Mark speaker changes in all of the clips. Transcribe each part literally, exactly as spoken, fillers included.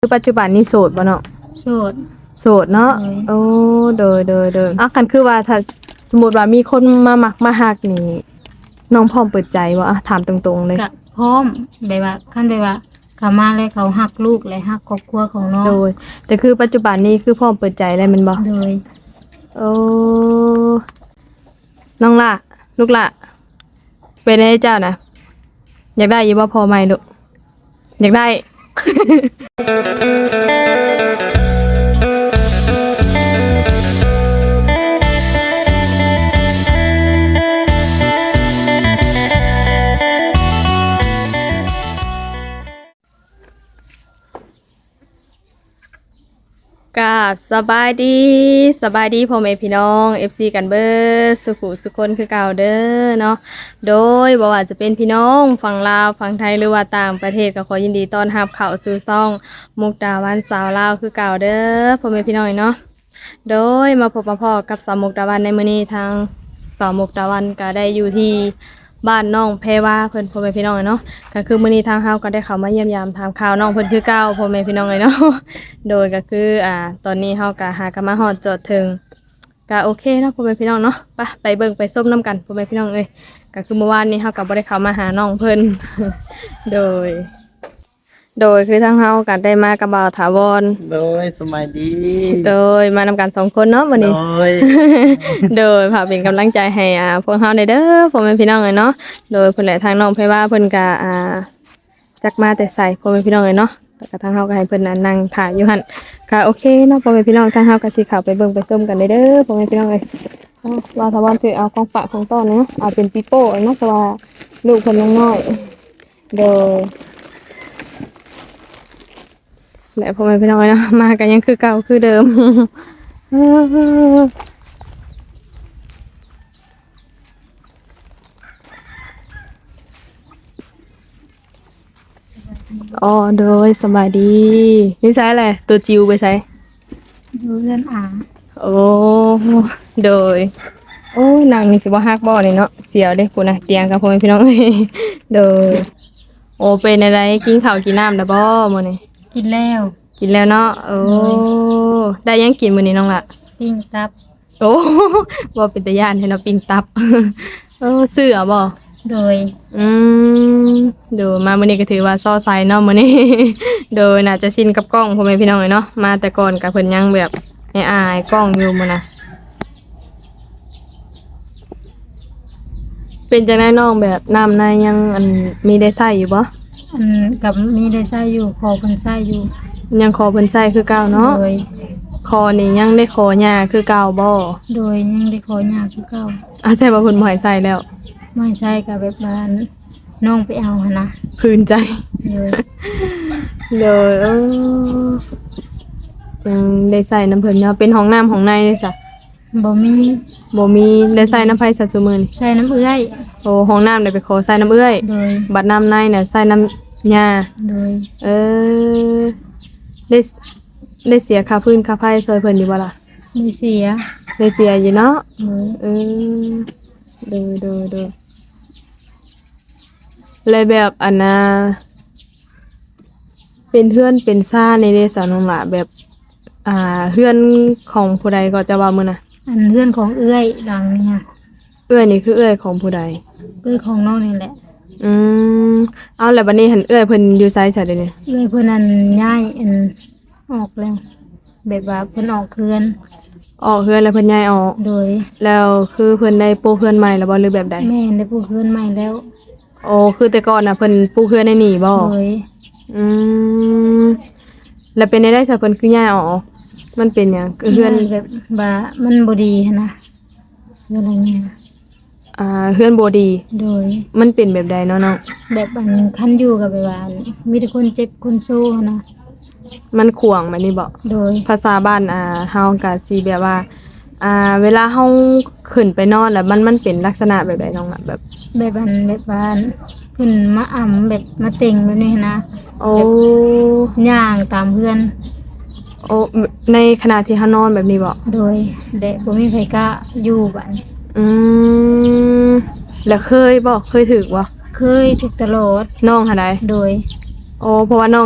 Speaker 1: คือปัจจุบันนี้โสดบ่เนาะ
Speaker 2: โสด
Speaker 1: โสดเนาะ
Speaker 2: โดย
Speaker 1: โอ้โดยโดยโดยอ่ะคันคือว่าถ้าสมมุติว่ามีคนมามักมาฮักนี่น้องพร้อมเปิดใจบ่อ่ะถามตรงๆเลย
Speaker 2: กะพร้อมแบบว่าคันแบบว่าเขามาแล้วเขาฮักลูกและฮักครอบครัวของน้อง
Speaker 1: โดยแต่คือปัจจุบันนี้คือพร้อมเปิดใจแล้วแม่นบ่
Speaker 2: โดย
Speaker 1: โอ้น้องล่ะลูกล่ะเป็นได้เจ้านะอยากได้อยู่บ่พอไหมลูกอยากได้ กราบสบายดีสบายดีพ่อแม่พี่น้อง เอฟ ซี กันเบิดสุขุสุคนคือเก่าเด้อเนาะโดยบ่ว่าจะเป็นพี่น้องฝั่งลาวฝั่งไทยหรือว่าต่างประเทศก็ขอยินดีต้อนรับเข้าสู่ช่องมุกดาวันสาวลาวคือเก่าเด้อพ่อแม่พี่น้องเนาะโดยมาพบมาพอกับสาวมุกดาวันในมื้อนี้ทางสาวมุกดาวันก็ได้อยู่ที่บ้านน้องแพรวาเพิ่นพ่อแม่พี่น้องเนาะก็คือมื้อนี้ทางเฮาก็ได้เข้ามาเยี่ยมยามถามข่าวน้องเพิ่นคือเก่าพ่อแม่พี่น้องเนาะ โดยก็คืออ่าตอนนี้เฮาก็หากันมาฮอดจอดถึงก็โอเคเนาะพ่อแม่พี่น้องเนาะไปไปเบิ่งไปส้มน้ำกันพ่อแม่พี่น้องเอ้ยก็คือเมื่อวานนี้เฮาก็บ่ได้เข้ามาหาน้องเพิ่น โดยโดยคือทางเฮาก็ได้มากับบ่าวถาวร
Speaker 3: โดยสมัยดี
Speaker 1: โดยมานำกันสองคนเนาะวันนี้
Speaker 3: โดย
Speaker 1: โดยพาเป็นกำลังใจให้อ่าพวกเฮาได้เด้อพ่อแม่พี่น้องเอ้ยเนาะโดยเพิ่นแหละทางน้องไผว่าเพิ่นก็อ่าจักมาแต่ใส่พ่อแม่พี่น้องเอ้ยเนาะแล้วก็ทางเฮาก็ให้เพิ่นน่ะนั่งถ่ายอยู่หั่นก็โอเคเนาะพ่อแม่พี่น้องทางเฮาก็สิเข้าไปเบิ่งไปชมกันได้เด้อพ่อแม่พี่น้องเอ้ยเอาว่าถ้าว่าคือเอาของฝากของต้อนเนาะเอาเป็นปีโป้เนาะเพราะว่าลูกเพิ่นยังน้อยโดยและพ่อแม่พี่น้องเอ้ยเนาะมากันยังคือเก่าคือเดิม อ๋อโดยสบายดีนี่ใช่อะไรตัวจิวไปใช้
Speaker 2: อยู่เรือนอา
Speaker 1: โอ้โดยโอ้ยนางนี่สิบ่ฮักบ่นี่เนาะเสียวเด้พุ่นน่ะเตียงกับพ่อแม่พี่น้อง โดยโอ้เป็นอะไรกินข้าวกินน้ำแล้วบ่มื้อนี้
Speaker 2: กินแล้ว
Speaker 1: กินแล้วเนาะโอ้ได้ยังกินมื้อนี้น้องล่ะ
Speaker 2: ปิ้งตับ
Speaker 1: โอ้ บ่เป็นตาย่านให้เนาะปิ้งตับ เออซื้อเอาบ่
Speaker 2: โดย
Speaker 1: อืมโดยมามื้อนี้ก็ถือว่าซ้อไซเนาะมื้อนี้ โดยน่าจะชินกับกล้องพ่อแม่พี่น้องเลยเนาะมาแต่ก่อนก็เพิ่นยังแบบอายๆกล้องอยู่มื้อน่ะเป็นจังได๋น้องแบบน้ำในยังอันมีได้ใช้อยู่บ่
Speaker 2: อันกับมีได้ใช้อยู่พอเพิ่นใช้อยู่
Speaker 1: ยังขอเพิ่นใช้คือเก่าเนาะ
Speaker 2: โดย
Speaker 1: คอนี่ยังได้ขอหญ้าคือเก่าบ่
Speaker 2: โดยยังได้ขอยากคือเก่า
Speaker 1: อ่ะใช่ว่าเพิ่นบ่ให้ใช้แล้ว
Speaker 2: ไม่ใช่กับแบบว่าน้องไปเอาหั่นนะ
Speaker 1: คืนใจ
Speaker 2: โดย
Speaker 1: เลยเออยังได้ใส่น้ำเพิ่นเนาะเป็นห้องน้ำห้องในเลยจ้ะ
Speaker 2: บ่มี
Speaker 1: บ่มีได้ใส่น้ำไผสัตว์ซุมื้อนี่
Speaker 2: ใช้น้ำเอื้อย
Speaker 1: โอ้ห้องน้ำได้ไปขอใส่น้ำเอื้อย
Speaker 2: โดย
Speaker 1: บัดน้ำในน่ะใส่น้ำหญ้า
Speaker 2: โดย
Speaker 1: เออได้ได้เสียค่าพื้นค่าไฟซอยเพิ่นอยู่บ่ล่ะ
Speaker 2: มีเสีย
Speaker 1: ได้เสียอยู่เนาะ
Speaker 2: โดย
Speaker 1: เออเด้อๆๆเลยแบบอันน่ะเป็นเฮือนเป็นซ่าในเดสาน้องหล่ะแบบอ่าเฮือนของผู้ใดก็จะว่ามื้อน่ะ
Speaker 2: อันเพื่อนของเอื้อยหลังเนี่ย
Speaker 1: เอื้อยนี่คือเอื้อยของผู้ใด
Speaker 2: เอื้อยของน้องนี่แหละ
Speaker 1: อืมเอาแล้วบัดนี้หันเอื้อยเพิ่นอยู่ไสซะเดี๋ยวนี้
Speaker 2: เอื้อยเพิ่นอันย้ายอันออกแล้วแบบว่าเพิ่นออกเคือน
Speaker 1: ออกเฮือนแล้วเพิ่นย้ายออก
Speaker 2: โดย
Speaker 1: แล้วคือเพิ่นได้ปูเฮือนใหม่แล้วบ่หรือแบบใด
Speaker 2: แม่ได้ปลูกเคือนใหม่แล้ว
Speaker 1: โอ้คือแต่ก่อนน่ะเพิ่นปูเฮือนในนี่บ่
Speaker 2: โดย
Speaker 1: อืมแล้วเป็นได้ซะเพิ่นคือย้ายออกมันเป็นหยังคือเฮือน
Speaker 2: แบบว่ามันบ่ดีหั้นนะเฮือนอะไรเนี่ย
Speaker 1: อ่าเฮือนบ่ดี
Speaker 2: โดย
Speaker 1: มันเป็นแบบใดเนาะน้อง
Speaker 2: แบบอันคันอยู่กับแบบว่ามีแต่คนเจ็บคนโซ่หั้นนะ
Speaker 1: มันขวางแบบนี้บ่
Speaker 2: โดย
Speaker 1: ภาษาบ้านอ่าเฮาก็สิแบบว่าอ่าเวลาเฮาขึ้นไปนอนแล้วมันมันเป็นลักษณะแบบใดน้องล่ะแบบ
Speaker 2: แบบอันแบบว่าเพิ่นมาอ่ำแบบมาเต็งแบบนี้หั้นนะ
Speaker 1: โอ้
Speaker 2: ย่างตามเพื่อน
Speaker 1: โอ้ในขณะที่เฮานอนแบบนี้บ่
Speaker 2: โดยเด็กบ่มีไผกล้าอยู่บัดนี้
Speaker 1: อืมแล้วเคยบ่เคยถึกบ่
Speaker 2: เคยถูกตลอด
Speaker 1: น้องหาใด
Speaker 2: โดย
Speaker 1: โอ้เพราะว่าน้อง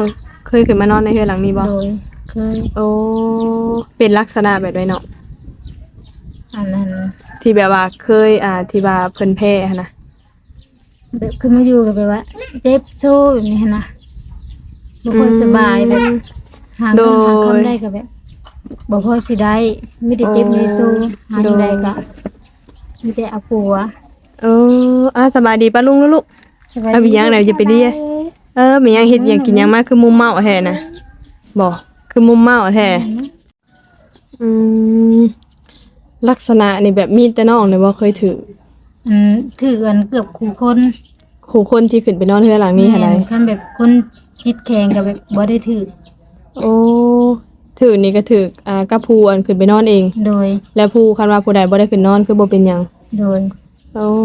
Speaker 1: เคยขึ้นมานอนในเฮือนหลังนี้บ่
Speaker 2: โดยเคย
Speaker 1: โอ้เป็นลักษณะแบบใดเนาะ
Speaker 2: อันนั้น
Speaker 1: ที่แบบว่าเคยอ่าที่ว่าเพิ่นแพ้หั้นนะ
Speaker 2: แบบขึ้นมาอยู่กับแบบว่าเจ็บโซ่แบบนี้หั้นนะบ่ค่อยสบายแบบหาเงินหาคำได้ก็แบบบ่ค่อยสิได้มีแต่เจ็บมีแต่โซ่หาอยู่ใดก็มีแต่เอาปัว
Speaker 1: เอออ่ะสบายดีป้าลุงลูก
Speaker 2: สบาย
Speaker 1: ๆเอาไปยังไหนจะไปดีอะเออมียังเฮ็ดหยังกินหยังมาคือมุมเมาแท้นะบ่คือมุมเมาแท้อืมลักษณะนี่แบบมีแต่น้องนี่บ่เคยถือ
Speaker 2: อืมถือกันเกือบคู่คน
Speaker 1: คู่คนที่ขึ้นไปนอนเฮือนหลังนี้หั่นใด
Speaker 2: แม่คันแบบคนจิตแข็งก็แบบบ่ได้ถือ
Speaker 1: โอ้ถือนี่ก็ถืออ่ากับผู้อันขึ้นไปนอนเอง
Speaker 2: โดย
Speaker 1: แล้วผู้คันว่าผู้ใดบ่ได้ขึ้นนอนคือบ่เป็นหยัง
Speaker 2: โดย
Speaker 1: โอ้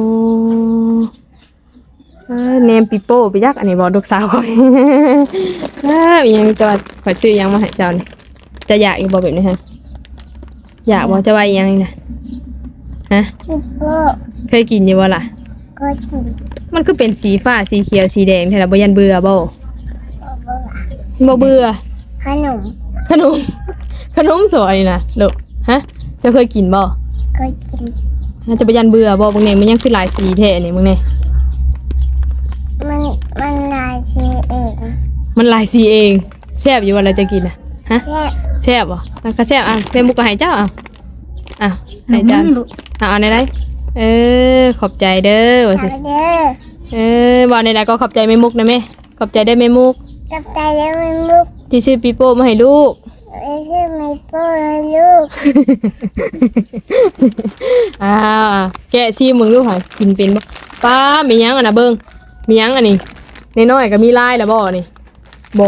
Speaker 1: เอ้ยเนมปิโป้ไปยักอันนี้บอกลูกสาวข่อย เอ้ยยังจะว่าข่อยซื้อยังมาให้เจ้านี่จะอยากอีกบ่แบบนี้ฮะอยากบ่จะว่าอีหยังนี่นะฮะ
Speaker 3: ปิโป้
Speaker 1: เคยกินอยู่บ่ล่ะ
Speaker 3: ก็กิน
Speaker 1: มันคือเป็นสีฟ้าสีเขียวสีแดงแท้ล่ะบ่ยันเบื่อบ่
Speaker 3: โบโบ
Speaker 1: บ่เบื่อ
Speaker 3: ขนม
Speaker 1: ขนม ขนมสวยนี่นะลูกฮะเจะเคยกินบ่
Speaker 3: ก็กิน
Speaker 1: ฮะจะบ่ยันเบื่อบ่บางแนี่มันยังคือหลายสีแท้นี่มึงนี่
Speaker 3: มันมันลายชีเอง
Speaker 1: มันหลายสีเองแซ่บอยู่ว่าเราจะกินน่ะฮะ
Speaker 3: แค่
Speaker 1: แซ่บบ่แล้วก็แซ่บอ่ะแม่มุกก็ให้เจ้าอ่ะอ่ะ
Speaker 2: หนู
Speaker 1: ให้เจ้า
Speaker 2: มันลูก
Speaker 1: เอาเอาในไรเออขอบใจเด้อว่าสิ
Speaker 3: ทำเด้อ
Speaker 1: เออบอกในใดก็ขอบใจแม่มุกนะแม่ขอบใจได้อแม่มุก
Speaker 3: กับใจแล้วมันมุก
Speaker 1: ที่ซื้อปีโป้มาให้ลูก
Speaker 3: ไม่ใช่ไม่โป้นะลูก
Speaker 1: อ่าแกะซีมึงลูกหากินเป็นบ่ป้ามีหยังอ่ะนะเบิ่งมีหยังอันนี้น้อยๆก็มีลายแล้วบ่นี่บ่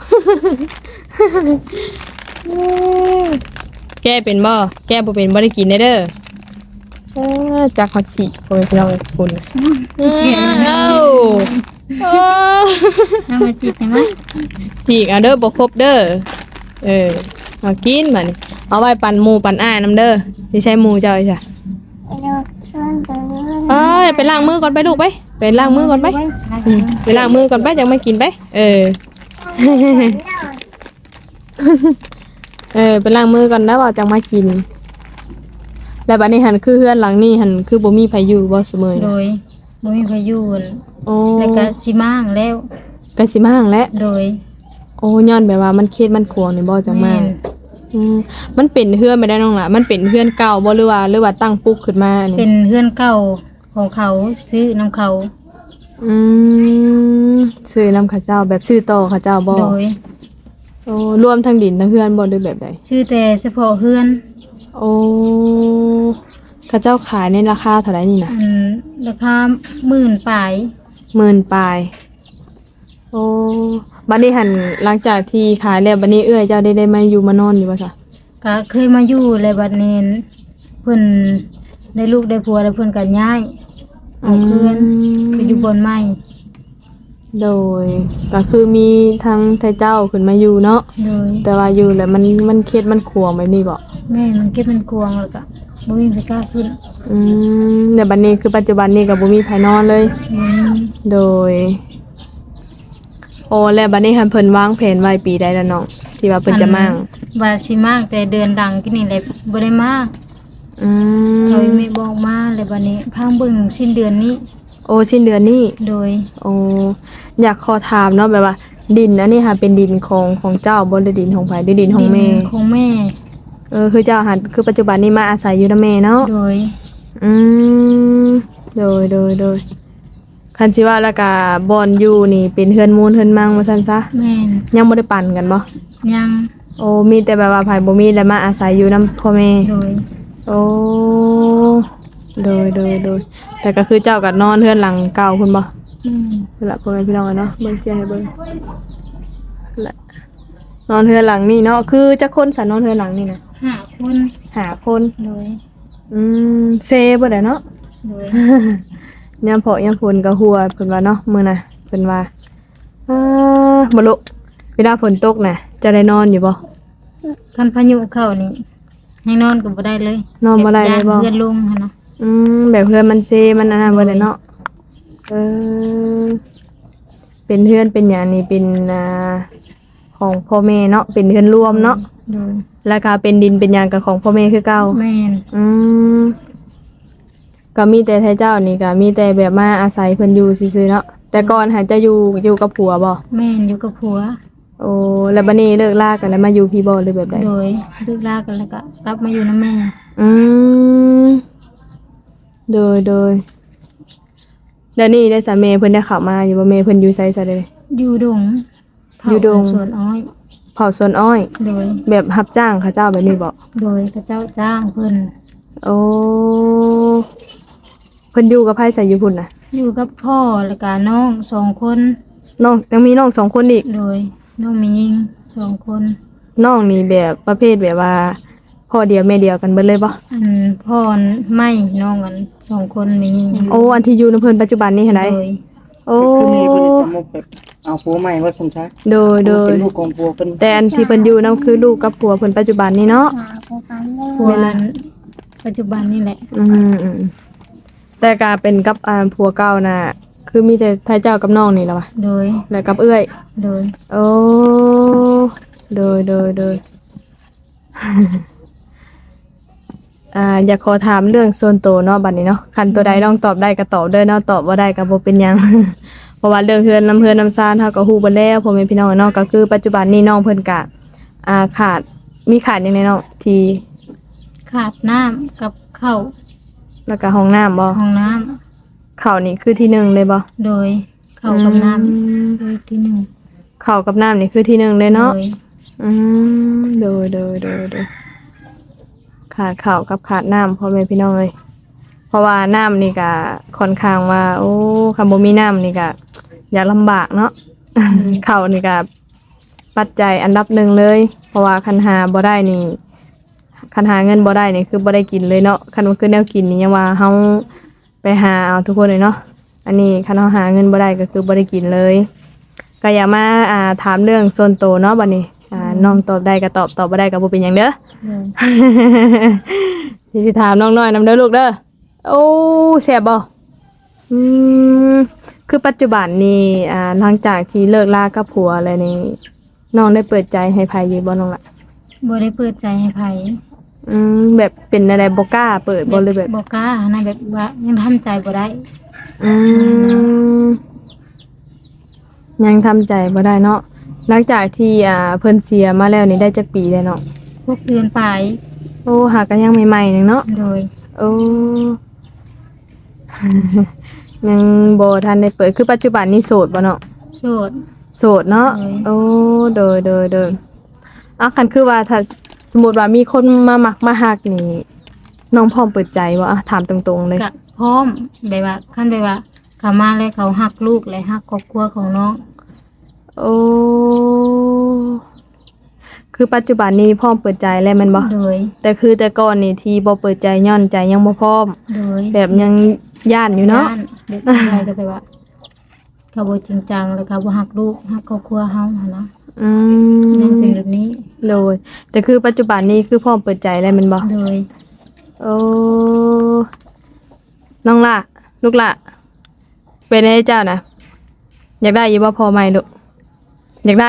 Speaker 1: แกะเป็นบ่แกะบ่เป็นบ่ได้กินได้เด้อเออจากฮอตสิโอ้ยพี่น้องคุณเอ้าโอ้
Speaker 2: เอามาจิตได้ไหม
Speaker 1: จีกเอาเด้อบ่ครบเด้อเออเอากินบัดนี้เอาไว้ปั่นหมูปั่นอ้ายนํเด้อสิใช้หมูเจ้าอีจ้ะ
Speaker 3: ลูกชวนตัวนี้
Speaker 1: เอ้ยไปล้างมือก่อนไปลูกไปไปล้างมือก่อนไปอืมไปล้างมือก่อนไปจังไม่กินไปเออ เออไปล้างมือก่อนนะว่าจังมากิน แล้วบัดนี้หันคือเฮือนหลังนี้หันคือบ่มีไผอยู่บ่เสมอ
Speaker 2: โดยบ่มีพายุน
Speaker 1: โอ้
Speaker 2: แล้วก็สิมางแล้ว
Speaker 1: ก็สิมาหั่งแล้ว
Speaker 2: โดย
Speaker 1: โอ้ย้อนแบบว่ามันเขตมันขวงนี่บ่จังมา
Speaker 2: แม่น
Speaker 1: อืมมันเป็นเฮือนไม่ได้น้องล่ะมันเป็นเฮือนเก่าบ่หรือว่าหรือว่าตั้งปุ๊กขึ้นมานี่
Speaker 2: เป็นเพื่อนเก่าของเขาซื้อน้ำเขา
Speaker 1: อืมซื้อนำข้าเจ้าแบบซื้อต่อข้าเจ้าบ่
Speaker 2: โดย
Speaker 1: โอ้รวมทั้งดินทั้งเฮือนบ่หรือแบบใด
Speaker 2: ชื่อแต่เฉพาะเพื่อน
Speaker 1: โอ้ข้าเจ้าขายในราคาเท่าไหร่นี่นะ
Speaker 2: อันราคาหมื่นปลาย
Speaker 1: หมื่นปลายโอ้บัดนี้หันหลังจากที่ขายแล้วบัดนี้เอื้อยเจ้าได้ได้มาอยู่มานอนอยู่บ่ซะ
Speaker 2: ก็เคยมาอยู่เลยบัดนี้เพิ่นได้ลูกได้ผัวแล้วเพิ่นก็ย้ายเอาเพื่อนไปอยู่บนไม้
Speaker 1: โดยก็คือมีทางไทเจ้าขึ้นมาอยู่เนาะ
Speaker 2: โดย
Speaker 1: แต่ว่าอยู่แล้วมันมันเขตมันขวงแบบนี้บ่
Speaker 2: แม่มันเก็บเป็นกวงแล้วก็บ่มีใครกล้าขึ้น
Speaker 1: อืมเดี๋ยวบัดนี้คือปัจจุบันนี้ก็บ่มีไผนอนเลย
Speaker 2: อืม
Speaker 1: โดย โอ้แล้วบัดนี้คันเพิ่นวางแผนไว้ปีใดแล้วน้องที่ว่าเพิ่นจะมั่ง
Speaker 2: ว่าสิมากแต่เดือนดังกินนี่แหละบ่ได้มาก
Speaker 1: อื
Speaker 2: เขา
Speaker 1: ม
Speaker 2: ไม่บอกมาเลยบัดนี้พังเบิ่งสิ้นเดือนนี้
Speaker 1: โอ้สิ้นเดือนนี้
Speaker 2: โดย
Speaker 1: โอ้อยากขอถามเนาะแบบว่า ดินอันนี้ค่ะเป็นดินของของเจ้าบ่ได้ดินของไผได้ดินของแม่
Speaker 2: ดินของแม่
Speaker 1: เออคือเจ้าหันคือปัจจุบันนี้มาอาศัยอยู่นำแม่เนาะ
Speaker 2: โดย
Speaker 1: อืมโดยโดยโดยคันสิว่าแล้วก็บ่อนอยู่นี่เป็นเฮือนมูลเฮือนมังว่าซั่นซะ
Speaker 2: แม่น
Speaker 1: ยังบ่ได้ปั่นกันบ่
Speaker 2: ยัง
Speaker 1: โอ้มีแต่แบบว่าไผบ่มีแล้วมาอาศัยอยู่นำพ่อแม่
Speaker 2: โดย
Speaker 1: โอ้โดยโดยโดยแต่ก็คือเจ้าก็นอนเฮือนหลังเก่าพุ่นบ่
Speaker 2: อืม
Speaker 1: นั่นล่ะพ่อแม่พี่น้องอะเนาะเบิ่งเสียให้เบิ่งนั่นแหละนอนเฮือนหลังนี่เนาะคือจักคนสันนอนเฮือนหลังนี่นะ
Speaker 2: ห้าคน
Speaker 1: หาคน
Speaker 2: โดย
Speaker 1: อืมเซบ่ได้เนาะ
Speaker 2: โดย
Speaker 1: ยามเพาะยามฝนก็หัวเพิ่นว่าเนาะมื้อน่ะเพิ่นว่าอ่าบ่ลุเวลาฝนตกน่ะจะได้นอนอยู่บ่
Speaker 2: คันพายุเข้านี่ให้นอนก็บ่ได้เลย
Speaker 1: นอนบ่ได้เลยบ่
Speaker 2: เพื่อนลงหั่นนะ
Speaker 1: อืมแบบเพื่อนมันเซมันอันนั้นบ่ได้เนาะเออเป็นเพื่อนเป็นหยังนี่เป็นอ่าของพ่อแม่เนาะเป็นเฮือนรวมเนาะ
Speaker 2: โดย
Speaker 1: แล้วก็เป็นดินเป็นหยังกับของพ่อแม่คือเก่า
Speaker 2: แม่น
Speaker 1: อืมก็มีแต่ไทเจ้านี่ก็มีแต่แบบมาอาศัยเพิ่นอยู่ซื่อๆเนาะแต่ก่อนหาจะอยู่อยู่กับผัวบ่
Speaker 2: แม่นอยู่กับผัว
Speaker 1: โอ้แล้วบัดนี้เลิกลากันแล้วมาอยู่พี่บ่หรือแบบใด
Speaker 2: โดยเลิกลากันแล้วก็กลับมาอยู่นำแม่
Speaker 1: อืมโดยโดยแล้วนี่ได้สามีเพิ่นได้เข้ามาอยู่บ่แม่เพิ่นอยู่ไสซะเด้
Speaker 2: อยู่ดงเผา
Speaker 1: อยู่ดง
Speaker 2: สวนอ้อย
Speaker 1: เผาสวนอ้อย
Speaker 2: โดย
Speaker 1: แบบรับจ้างเขาเจ้าแบบนี้บ่
Speaker 2: โดยพระเจ้าจ้างเพิ่น
Speaker 1: โอ้เพิ่นอยู่กับไผใส่อยู่พุ่นน่ะ
Speaker 2: อยู่กับพ่อแล้วก็น้องสองคน
Speaker 1: น้องยังมีน้องสองคนอีก
Speaker 2: โดยน้องมียิงสองคน
Speaker 1: น้องนี่แบบประเภทแบบว่าพ่อเดียวแม่เดียวกันเบิดเลยบ่
Speaker 2: อันพ่อไม่น้องกันสองคนมียิง
Speaker 1: โอ้อันที่อยู่ในเพิ่นปัจจุบันนี่เห็นไหม
Speaker 2: โดย
Speaker 1: โอ้
Speaker 4: คือมีเพิ่นสมมุติแบบเอาผัวใหม่ว่าซั่นซะ
Speaker 1: โดยโดย
Speaker 4: เป็นลูกของผัวเพิ่น
Speaker 1: แต่อันที่เพิ่นอยู่นั่นคือลูกกับผัวเพิ่นปัจจุบันนี่เนาะ
Speaker 3: หาผู้ฟังได้
Speaker 2: ผัวอันปัจจุบันนี่แหละ
Speaker 1: อืมอืมแต่การเป็นกับอ่าผัวเก่าน่ะคือมีแต่ทายเจ้ากับน้องนี่แหละวะ
Speaker 2: โดย
Speaker 1: แล้วกับเอื้อย
Speaker 2: โดย
Speaker 1: โอ้โดยโดยโดย อ่าอยากขอถามเรื่องส่วนตัวเนาะบัดนี้เนาะคันตัวใดน้องตอบได้ก็ตอบเด้อเนาะตอบบ่ได้ก็บ่เป็นหยัง เพราะว่าเรื่องเฮือนน้ำเฮือนน้ำซ่านเฮาก็ฮู้เบิดแล้วพ่อแม่พี่น้องเนาะก็คือปัจจุบันนี้น้องเพิ่นก็อ่าขาดมีขาดหยังไงเนาะที่
Speaker 2: ขาดน้ำกับข้าว
Speaker 1: แล้วก็ห้องน้ำบ่
Speaker 2: ห้องน้ำ
Speaker 1: ข้าวนี่คือที่หนึ่งเลยบ่
Speaker 2: โดยข้าวกับน้
Speaker 1: อืม
Speaker 2: ำโดยที่หนึ่ง
Speaker 1: ข้าวกับน้ำนี่คือที่หนึ่งเลยเนาะ
Speaker 2: โดย
Speaker 1: อืมโดยโดยโดยโดยขาดข้าวกับขาดน้ำพ่อแม่พี่น้องเลยเพราะว่าน้ำนี่ก็ค่อนข้างว่า โอ้คำบ่มีน้ำนี่ก็อยากลำบากเนาะ ข้าวนี่ก็ปัจจัยอันดับหนึ่งเลย เพราะว่าคันหาบ่ได้นี่คันหาเงินบ่ได้นี่คือบ่ได้กินเลยเนาะคันว่าคือแนวกินนี่ยังว่าเฮาไปหาเอาทุกคนเลยเนาะอันนี้คันเฮาหาเงินบ่ได้ก็คือบ่ได้กินเลยก็อย่ามาอ่าถามเรื่องส่วนตัวเนาะบัดนี้อ่าน้องตอบได้ก็ตอบตอบบ่ได้ก็บ่เป็นหยังเด้อ
Speaker 2: โดย
Speaker 1: ที่สิถามน้องน้อยนำเด้อลูกเด้อโอ้แซ่บบ่อืมคือปัจจุบันนี่อ่าหลังจากที่เลิกลากับผัวอะไรนี่น้องได้เปิดใจให้ไผอยู่บ่น้องล่ะ
Speaker 2: บ่ได้เปิดใจให้ไผ
Speaker 1: อืมแบบเป็นอะไรบ่กล้าเปิดบ่เลยแบบ
Speaker 2: บ่กล้านะแบบว่ายังทำใจบ่ได้
Speaker 1: อืมยังทำใจบ่ได้เนาะหลังจากที่อ่าเพิ่นเสียมาแล้วนี่ได้จักปีแล้วเนาะ
Speaker 2: พวกเดือนปลาย
Speaker 1: โอ้หากันยังใหม่ๆนึงเนาะ
Speaker 2: โดย
Speaker 1: โอ้ ยังบ่ทันได้เปิดคือปัจจุบันนี้โสดบ่เนาะ
Speaker 2: โสด
Speaker 1: โสดเนาะ
Speaker 2: ใช่
Speaker 1: โอ้โดยโดยโดยอ่ะคันคือว่าถ้าสมมุติว่ามีคนมามักมาฮักนี่น้องพร้อมเปิดใจบ่อ่ะถามตรงๆเลย
Speaker 2: กะพร้อมแบบว่าคันแบบว่าเขามาแล้วเขาฮักลูกและฮักครอบครัวของน้อง
Speaker 1: โอ้คือปัจจุบันนี้พร้อมเปิดใจแล้วแม่นบ่
Speaker 2: โดย
Speaker 1: แต่คือแต่ก่อนนี่ที่บ่เปิดใจย้อนใจยังบ่พร้อม
Speaker 2: โดย
Speaker 1: แบบยังย่านอยู่เนาะ
Speaker 2: ย่เด็กอะไรก็แบบว่า เขาบ่จริงจังแล้วเขาบ่ฮักลูกฮักครอบครัวเฮาหั่นนะ
Speaker 1: อื
Speaker 2: ยังเป็น
Speaker 1: ม
Speaker 2: แบบนี้
Speaker 1: โดยแต่คือปัจจุบันนี้คือพร้อมเปิดใจแล้วแม่นบ่
Speaker 2: โดย
Speaker 1: โอ้น้องล่ะลูกล่ะเป็นไงเจ้านะอยากได้อยู่บ่พอไหมลูกอยากได้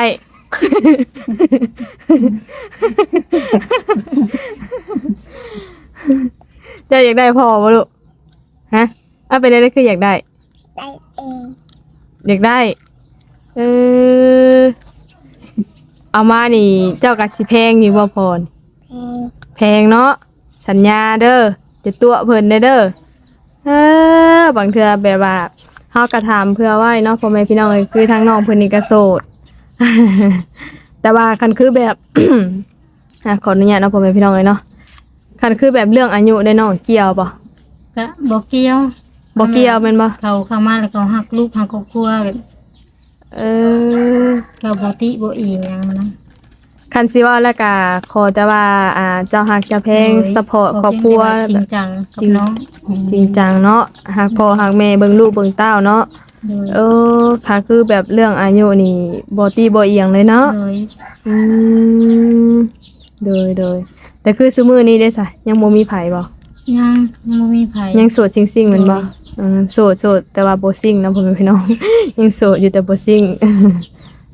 Speaker 1: เจ้าอยากได้พอบ่ลูกฮะเอาเป็นอะไรคืออยากได้
Speaker 3: ได้เอง
Speaker 1: อยากได้เออเอามานี่เจ้ากัสิแพงอยู่บ่พร
Speaker 3: เพลง
Speaker 1: แพงเนาะสัญญาเด้อจะตัวเพิ่นได้เด้อเออบางเทื่อแบบว่าเฮาก็ถามเพื่อไว้เนาะพ่อแม่พี่น้องเอ้ยคือทางน้องเพิ่นนี่ก็โสด แต่ว่าคันคือแบบ อ่ะขออนุญาตเนาะพ่อแม่พี่น้องเอ้ยเนาะคันคือแบบเรื่องอายุได้น้องเกี่ยวบ่
Speaker 2: ก็บ่เกี่ยว
Speaker 1: บ่เกี่ยวแม่นบ่
Speaker 2: เขาเข้ามาแล้วเขาฮักลูกฮักครอบครัวแบบ
Speaker 1: เออ
Speaker 2: เขาบ่ติบ่อีหยังนะ
Speaker 1: คันสิว่าแล้วก็ขอแต่ว่าอ่าเจ้าฮักเจ้าแพง
Speaker 2: โดย
Speaker 1: ซัพพอร์ตครอบครัว
Speaker 2: จริงจังกับน้อง
Speaker 1: จริงจังเนาะฮักพ่อฮักแม่เบิ่งลูกเบิ่งเต้าเนาะ
Speaker 2: โดย
Speaker 1: เออค่ะคือแบบเรื่องอายุนี่บ่ตีบ่เอียงเลยเนาะ
Speaker 2: โดย
Speaker 1: อืมโดยโดยแต่คือซุมื้อนี้เด้ซะยังบ่มีไผบ่
Speaker 2: ยังยังบ่มีไผ
Speaker 1: ยังโสดซิ่งๆแม่นบ่
Speaker 2: โดย
Speaker 1: อืมโสดโสดแต่ว่าบ่ซิ่งนะพ่อแม่พี่น้อง ยังโสดอยู่แต่บ่ซิ่ง เ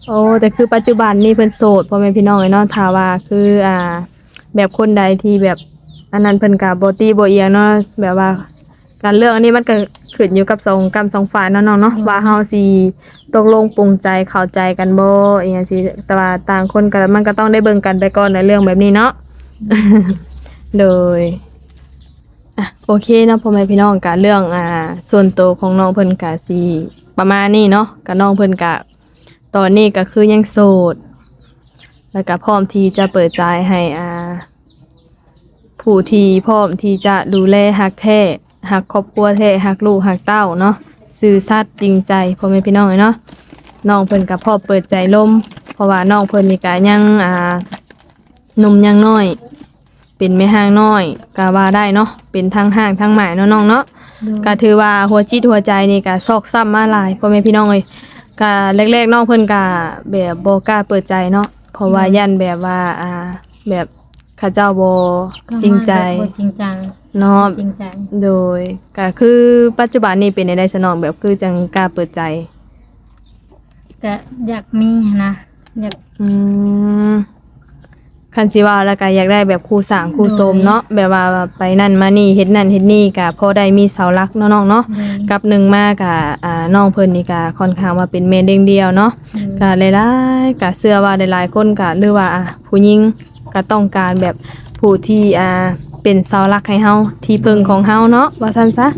Speaker 1: โอ้แต่คือปัจจุบันนี่เพิ่นโสดพ่อแม่พี่น้องเอ้ยเนาะถ้าว่าคืออ่าแบบคนใดที่แบบอันนั้นเพิ่นก็บ่ตีบ่เอียงเนาะแบบว่าการเลือกอันนี้มันก็ขึ้นอยู่กับสองกรรมสองฝ่ายเนาะน้องเนาะว่าเฮาสิตกลงปรงใจเข้าใจกันบ่อีหยังสิแต่ว่าต่างคนก็มันก็ต้องได้เบิ่งกันไปก่อนในเรื่องแบบนี้เนาะ โดยอ่ะโอเคเนาะพ่อแม่พี่น้องกะเรื่องอ่าส่วนตัวของน้องเพิ่นกะสิประมาณนี้เนาะกะน้องเพิ่นกะตอนนี้ก็คือยังโสดแล้วก็พร้อมที่จะเปิดใจให้อ่าผู้ที่พร้อมที่จะดูแลฮักแท้ฮักครอบครัวแท้ฮักลูกฮักเต้าเนาะซื่อสัตย์จริงใจพ่อแม่พี่น้องเนาะน้องเพิ่นก็พร้อมเปิดใจลมเพราะว่าน้องเพิ่นนี่ก็ยังอ่าหนุ่มยังน้อยเป็นแม่ห้างน้อยก็ว่าได้เนาะเป็นทั้งห้างทั้งหมายเนาะน้องเนาะก็ถือว่าหัวจิตหัวใจนี่ก็ซอกซ้ำมาหลายพ่อแม่พี่น้องเอ้ยก็แรกๆน้องเพิ่นก็แบบบ่กล้าเปิดใจเนาะเพราะว่ายันแบบว่าอ่าแบบเขาเจ้าบ่จริงใจ
Speaker 2: บ่จริงจัง
Speaker 1: เนาะ
Speaker 2: จริงใจ
Speaker 1: โดยก็คือปัจจุบันนี้เป็นในได้สนองแบบคือจังกล้าเปิดใจ
Speaker 2: ก็อยากมีนะอยาก
Speaker 1: อืมคันสิว่าแล้วก็อยากได้แบบครูสร้างครูโสมเนาะแบบว่าไปนั่นมานี่เฮ็ดนั่นเฮ็ดนี่ก็พอได้มีเสาหลักเนาะน้องเนาะ
Speaker 2: เลย
Speaker 1: กับหนึ่งมาก็อ่าน้องเพิ่นนี่ก็ค่อนข้างว่าเป็นแม่เด้งเดียวเนาะ ก็หลายๆก็เชื่อว่าหลายๆคนก็หรือว่าอ่ะผู้หญิงก็ต้องการแบบผู้ที่อ่าเป็นเสาหลักให้เฮาที่พึ่งของเฮาเนาะว่าซั่นซะ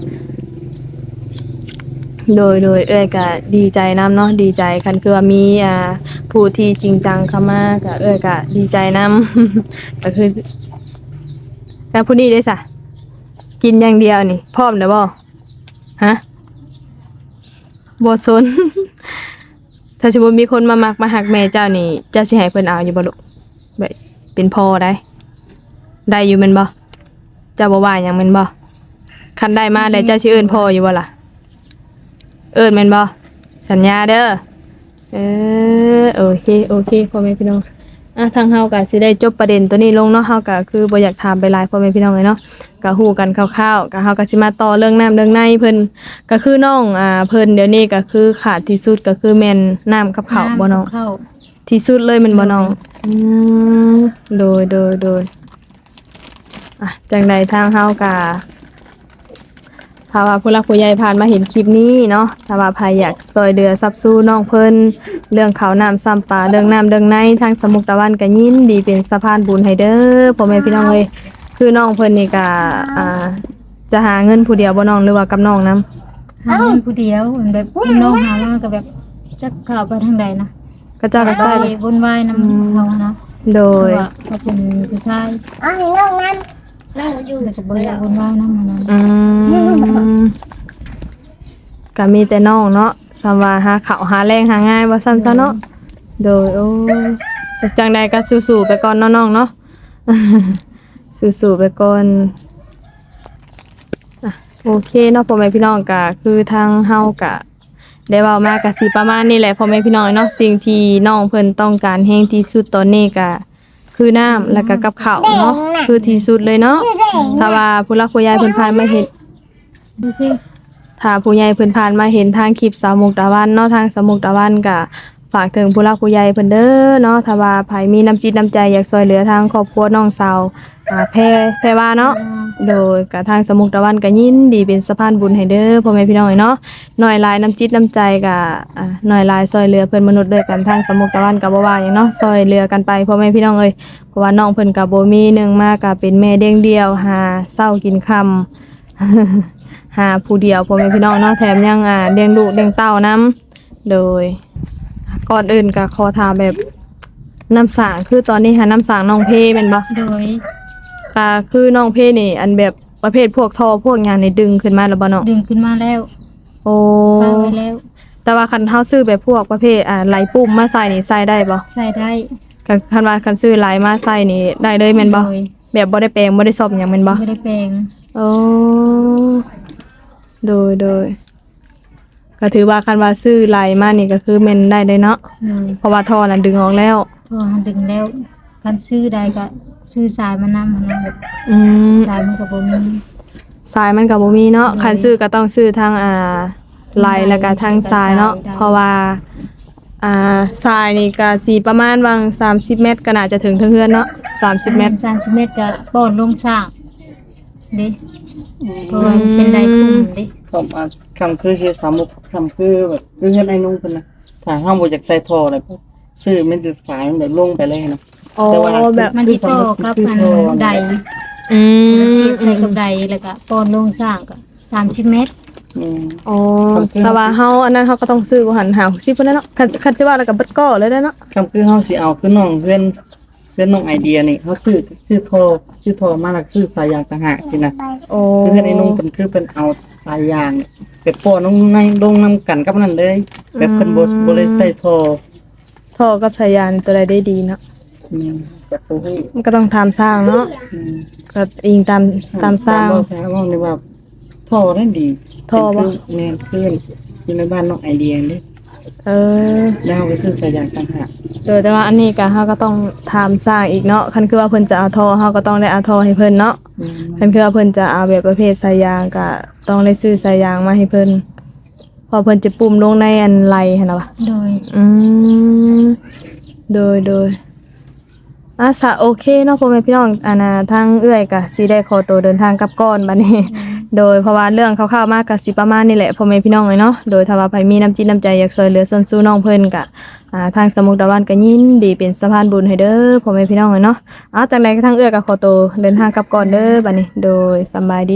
Speaker 1: โดยโดยเอ้ยก็ดีใจนํเนาะดีใจคันคือว่ามีอ่าผู้ที่จริงจังเข้ามาก็เอ้ยก็ดีใจนํ ก็คือแล้วผู้นี้ได้ซะกินอย่างเดียวนี่พร้อมแล้วบ่ฮะบ่สน ถ้าสมมุติมีคนมามักมาหักแม่เจ้านี่เจ้าสิให้เพิ่นเอาอยู่บ่ลูกแบบเป็นพ่อได้ได้อยู่แม่นบ่เจ้าบ่ว่าหยังแม่นบ่คันได้มาได้เจ้าสิเอิ้นพ่ออยู่บ่ล่ะเอิ้นแม่นบ่สัญญาเด้อเออโอเคโอเคพ่อแม่พี่น้องอ่ะทางเฮาก็สิได้จบประเด็นตัวนี้ลงเนาะเฮาก็คือบ่อยากถามไปหลายพ่อแม่พี่น้องเลยเนาะก็ฮู้กันคร่าวๆก็เฮาก็สิมาต่อเรื่องน้ำเรื่องในเพิ่นก็คือน้องอ่าเพิ่นเดี๋ยวนี้ก็คือขาดที่สุดก็คือแม่นน้ำกับข้าวบ่น้อง
Speaker 2: ข้าว
Speaker 1: ที่สุดเลยแมันบ่น้องอืมโดยโดยโดยอ่ะจังใดทางเฮากะถ้าว่าผู้หลักผู้ใหญ่ผ่านมาเห็นคลิปนี้เนาะถ้าว่าใครอยากซอยเดือซับสู้น้องเพิ่นเรื่องข้าวน้ำซ้ำปลาเรื่องน้ำเรื่องในทางสมุกตะวันก็ยินดีเป็นสะพานบุญให้เด้อพ่อแม่พี่น้องเอ้ยคือน้องเพิ่นนี่ก็อ่าจะหาเงินผู้เดียวบ่น้องหรือว่ากับน้องนํ
Speaker 2: หาเงินผู้เดียวเหมือนแบบน้องหามาก็แบบจักเข้าไปทางใดนะ
Speaker 1: ก็เจ้าก็
Speaker 2: ไป
Speaker 1: ใช่เลย
Speaker 2: วนวายนำเขานะ
Speaker 1: โดย
Speaker 2: ว่าเขาเป็นผู้ชาย
Speaker 3: เอาให้น้องนั่นนั่งอยู่
Speaker 2: แล้วก็บ่อยากวนวายนำนะ
Speaker 1: อืมก็มีแต่น้องเนาะสำว่าหาข้าวหาแรงหาง่ายว่าซั่นซะเนาะโดยโอ้จังใดก็สู้ๆไปก่อนเนาะน้องเนาะ สู้ๆไปก่อนอ่ะโอเคเนาะพ่อแม่พี่น้องก็คือทางเฮาก็ได้เว้ามาก็สิประมาณนี้แหละพ่อแม่พี่น้องเนาะสิ่งที่น้องเพิ่นต้องการแฮงที่สุดตอนนี้ก็คือน้ำแล้วก็กับข้าวเนาะคือที่สุดเลยเนาะถ้าว่าผู้หลักผู้ใหญ่เพิ่นผ่านมาเห็น
Speaker 2: ดูสิ
Speaker 1: ถ้าผู้ใหญ่เพิ่นผ่านมาเห็นทางคลิปสาวมุกตะวันเนาะทางสาวมุกตะวันก็ฝากถึงผู้หลักผู้ใหญ่เพิ่นเด้อเนาะถ้าว่าไผมีน้ำจิตน้ำใจอยากช่วยเหลือทางครอบครัวน้องสาวอ่าแพรแพรว่าเนาะโดยก็ทางสาวมุกตะวันก็ยินดีเป็นสะพานบุญให้เด้อพ่อแม่พี่น้องเนาะหน่อยหลายน้ำจิตน้ำใจก็อ่าหน่อยหลายช่วยเหลือเพิ่นมนุษย์ด้วยกันทางสาวมุกตะวันก็บ่ว่าหยังเนาะช่วยเหลือกันไปพ่อแม่พี่น้องเอ้ยเพราะว่าน้องเพิ่นก็บ่มีหนึงมาก็เป็นแม่เลี้ยงเดี่ยวหาเช้ากินค่ำ หาผู้เดียวพ่อแม่พี่น้องเนาะแถมยังอ่าเลี้ยงลูกเลี้ยงเต้านํโดยก่อนอื่นก็ขอถามแบบน้ำสางคือตอนนี้หาน้ำสางน้องเพแม่นบ่
Speaker 2: โดย
Speaker 1: ก็คือน้องเพนี่ อันแบบประเภทพวกท่อพวกหยังนี่ดึงขึ้นมาแล้วบ่เนาะ
Speaker 2: ดึงขึ้นมาแล้ว
Speaker 1: โอ้
Speaker 2: ปาไว้แล้ว
Speaker 1: แต่ว่าคันเฮาซื้อแบบพวกประเภทอ่าไหลปุ่มมาใส่นี่ใส่ได้บ่
Speaker 2: ใส่ได้
Speaker 1: คันคันว่าคันซื้อไหลมาใส่นี่ได้เลยแม่นบ่
Speaker 2: โดย
Speaker 1: แบบบ่ได้แปลงบ่ได้ซ่อมหยังแม่นบ่
Speaker 2: ไม่ได้แปลง
Speaker 1: โอ้โดยโดยก็ถือว่าคันว่าซื้อไหลมานี่ก็คือแม่นได้เลยเนาะ
Speaker 2: โดย
Speaker 1: เพราะว่าท่อนั้นดึงออกแล้ว
Speaker 2: พอดึงแล้วกันซื้อได้ก็ซื้อสายมานำนะแบบ
Speaker 1: อืม
Speaker 2: สายมันก็บ่มี
Speaker 1: สายมันก็บ่มีเนาะ
Speaker 2: โดย
Speaker 1: คันซื้อก็ต้องซื้อทางอ่าไหลแล้วก็ทางสายเนาะ
Speaker 2: ได้
Speaker 1: เพราะว่าอ่าทรายนี่ก็สิประมาณวังสามสิบเมตรก็น่าจะถึงเทือนเนาะสามสิบเมตร
Speaker 2: สามสิบเมตรก็ป้อนลงช่างเด้เพราะว่ามันเป็นไดคุ้มเด้
Speaker 4: คำอ่ะคำคือเสียสามมุกคำคือแบบคือเฮ็ดไอ้นุ่งเพิ่นนะถ้าห้ามบ่อยากใส่ท่ออะไรพวกซื้อมันจะสายมันแบบลงไปเลยนะ
Speaker 1: อ๋อ
Speaker 4: แต่ว่า
Speaker 1: แบบ
Speaker 2: มันสิต่อกับอันใด
Speaker 1: อื
Speaker 2: เสี
Speaker 1: ม
Speaker 2: ยบใส่กับใดแล้วก็ป้อนลงช่างก็สามสิบเมตร
Speaker 4: อืม
Speaker 1: อ๋อแต่ว่าเฮาอันนั้นเฮาก็ต้องซื้อบ่หันหาสิพุ่นแหล้วเนาะคันคันสิว่าแล้วก็เบิดก้อเลยเด้อเนาะ
Speaker 4: คำคือเฮาสิเอาคือน้องเพื่อนเพื่อนน้องไอเดียนี่เขาซื้อซื้อท่อซื้อท่อมาแล้วซื้อสายยางต่างหากสินะ
Speaker 1: โอ้
Speaker 4: คือเพื่อนไอ้นุ่งเพิ่นคือเพิ่นเอาสายยางไปป้อนลงในลงนํกันกับนั่นเลยแบบเพิ่นบ่บ่ได้ใส่ท่อ
Speaker 1: ท่อกับสายยางตัวใดได้ดีเนาะ
Speaker 4: อืมแบบตัวนี้
Speaker 1: มันก็ต้องตามสร้างเนาะ
Speaker 4: อืม
Speaker 1: ก็อิงตามตามสร้าง
Speaker 4: ตมเว้าว่านี่ว่าท่อได้ดี
Speaker 1: ท่อบ่
Speaker 4: เป็นคือแม่นเพื่อนอยู่ในบ้านน้องไอเดียนี่
Speaker 1: เออ
Speaker 4: แล้วเอาไปซื้อสายยางต่างหาก
Speaker 1: เออแต่ว่าอันนี้ก็เฮาก็ต้องถามสร้างอีกเนาะคันคือว่าเพิ่นจะเอาท่อเฮาก็ต้องได้เอาท่อให้เพิ่นเนาะ
Speaker 4: อืม
Speaker 1: คันคือว่าเพิ่นจะเอาแบบประเภทสายยางก็ต้องได้ซื้อสายยางมาให้เพิ่นเพอเพิ่นจะปุ่มลงในอันไหลหั่นน่ะวะ
Speaker 2: โดย
Speaker 1: อืมโดยโดยอ่ะสะโอเคเนาะพ่อแม่พี่น้องอันน่ะทางเอื้อยก็สิได้ขอตัวเดินทางกลับก่อนบัดนี้ โดยเพราะว่าเรื่องคร่าวๆมากก็สิประมาณนี้แหละพ่อแม่พี่น้องเลยเนาะโดยถ้าว่าใครมีน้ำจิตน้ำใจอยากช่วยเหลือส่วนสู้น้องเพิ่นก็อ่าทางสมุกดาวันก็ยินดีเป็นสะพานบุญให้เด้อพ่อแม่พี่น้องเลยเนาะเอาจากไหนก็ทางเอื้อยก็ขอตัวเดินทางกลับก่อนเด้อบัดนี้ โดยสำบายดี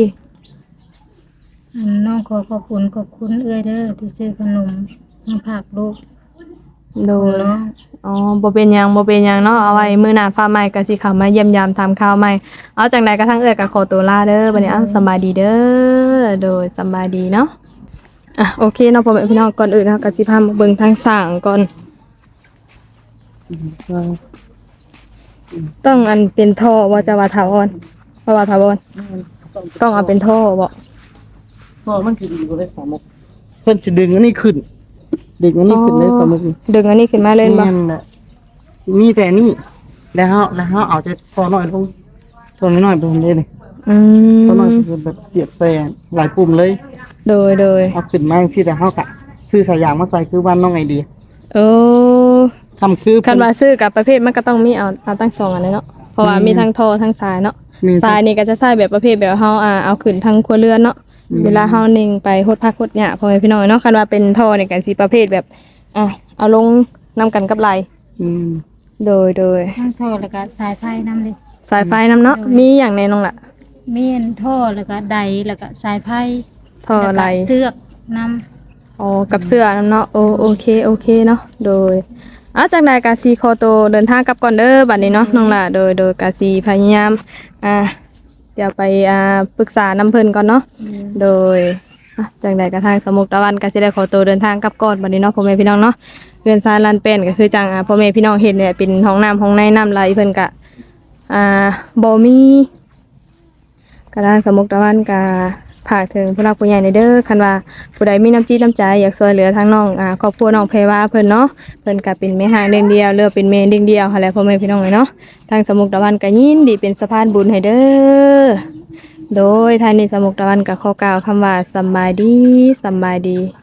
Speaker 2: อันน้องขอขอบคุณขอบคุณเอื้อยเด้อที่ซื้อขนมมาฝากลูก
Speaker 1: โด
Speaker 2: ของ
Speaker 1: ย
Speaker 2: น้อง
Speaker 1: อ๋อบ่เป็นหยังบ่เป็นหยังเนาะเอาไว้มื้อหน้าฟ้าใหม่ก็สิเข้ามาเยี่ยมยามทำข่าวใหม่เอาจังไดก็ทางเอื้อยก็ขอตัวลาเด้อบัดนี้อ้าวสำบายดีเด้อโดยสำบายดีเนาะอ่ะโอเคเนาะพ่อแม่พี่น้องก่อนอื่นเนาะก็สิพามาเบิ่งทางสร้างก่อน
Speaker 4: อืมก็
Speaker 1: ต้องอันเป็นท่อว่าจะว่าถาวรเพราะว่าถาวรต้องเอาเป็นท่อบ่
Speaker 4: ท่อมันสิดีกว่าได้สามมุกเพิ่นสิดึงอันนี้ขึ้น ดึงอันนี้ขึ้นได้สามมุกนี่
Speaker 1: ดึงอันนี้ขึ้นมาเล่นบ่
Speaker 4: แม่นแหละมีแต่นี่แล้วเฮาแล้วเฮาเอาจะท่อน้อยลงท่อน้อยๆไปเรื่อยๆ
Speaker 1: อืม
Speaker 4: ท่อน้อยคือแบบเสียบใส่หลายปุ่มเลย
Speaker 1: โดยโดย
Speaker 4: เอาขึ้นมาที่แต่เฮากะซื้อสายยางมาใส่คือบ้านน้องไอเดีย
Speaker 1: โอ้
Speaker 4: ทำคือ
Speaker 1: คันว่าซื้อกับประเภทมันก็ต้องมีเอาเอาตั้งสองอันเลยเนาะเพราะว่ามีทั้งท่อทั้งสายเนาะ
Speaker 4: มี
Speaker 1: สายนี่ก็จะใช้แบบประเภทแบบเฮาอ่าเอาขึ้นทั้งครัวเรือนเนาะเวลาเฮานิ่งไปโฮดพักโฮดหยาพ่อแม่พี่น้องเนาะคันว่าเป็นท่อนี่ก็สิประเภทแบบอ่ะเอาลงนํกันกับไหล
Speaker 4: อืม
Speaker 1: โดยโดย
Speaker 2: ทั้งท่อแล้วก็สายไฟนํเลย
Speaker 1: สายไฟนํเนาะมีอย่างแน่นอนล่ะ
Speaker 2: มีอันท่อแล้วก็ใดแล้วก็สายไฟ
Speaker 1: ท่อไหล
Speaker 2: แล้วก็เสือกนำ
Speaker 1: อ๋อกับเสื้อนํเนาะโอโอเคโอเคเนาะโดยอ้าวจากใดกาซีคอโตวเดินทางกลับก่อนเด้อบัดนี้เนาะน้องล่ะโดยโดยกาซีพยายามอ่าเดี๋ยวไปอ่าปรึกษาน้ำเพิ่นก่อนเนาะโดยอ่ะจากใดกระทางสมุกตะวันก็สิได้ขอตัวเดินทางกลับก่อนบัดนี้เนาะพ่อแม่พี่น้องเนาะเรือนซานลานเป็นก็คือจังอ่าพ่อแม่พี่น้องเห็นเนี่ยเป็นห้องน้ำห้องในน้ำไหลเพิ่นก็อ่าบ่มีกระทางสมุกตะวันก็ฝากถึงผู้รักผู้ใหญ่ในเด้อคันว่าผู้ใดมีน้ำจิตน้ำใจอยากช่วยเหลือทางน้องอ่าครอบครัวน้องเพรวาเพิ่นเนาะเพิ่นก็เป็นแม่ห้างเด้งเดียวเรือเป็นแม่เด้งเดียวหั่นแหละพ่อแม่พี่น้องเนาะทางสมุกตะวันก็ยินดีเป็นสะพานบุญให้เด้อโดยทางนี้สมุกตะวันก็ขอกล่าวคำว่าสำบายดีสำบายดี